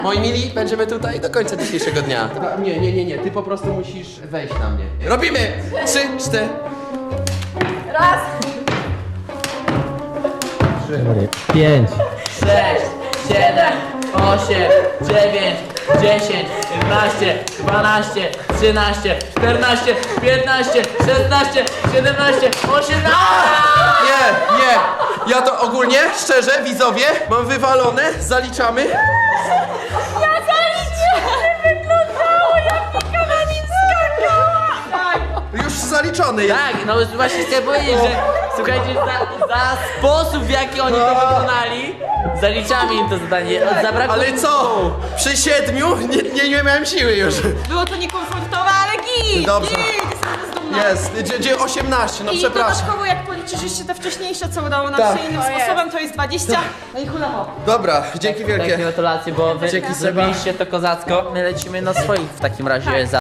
Moi mili, będziemy tutaj do końca dzisiejszego dnia. Nie, ty po prostu musisz wejść na mnie. Robimy! 3, 4. Raz. 5. 6, 7, 8, 9, 10, 11, 12, 13, 14, 15, 16, 17, 18! Nie! Ja to ogólnie, szczerze, widzowie, mam wywalone, zaliczamy. Ja zaliczyłam! Wyglądało jak Wika na nim skakała! Tak. Już zaliczony jest. Tak, no właśnie chcę powiedzieć, że słuchajcie, za sposób w jaki oni to wykonali, zaliczamy im to zadanie. Zabrakło Ale co? Przy 7 nie miałem siły już. Było to niekomfortowe, ale git! Dobrze. Git! Jestem dumna. Jest, gdzie 18, no I przepraszam. dodatkowo jak policzysz jeszcze te wcześniejsze, co udało nam Tak. się innym sposobem, to jest 20. No i hulaho. Dobra, dzięki Takie wielkie. gratulacje, bo wy Dzięki, Seba. zrobiliście to kozacko. My lecimy na swoich w takim razie za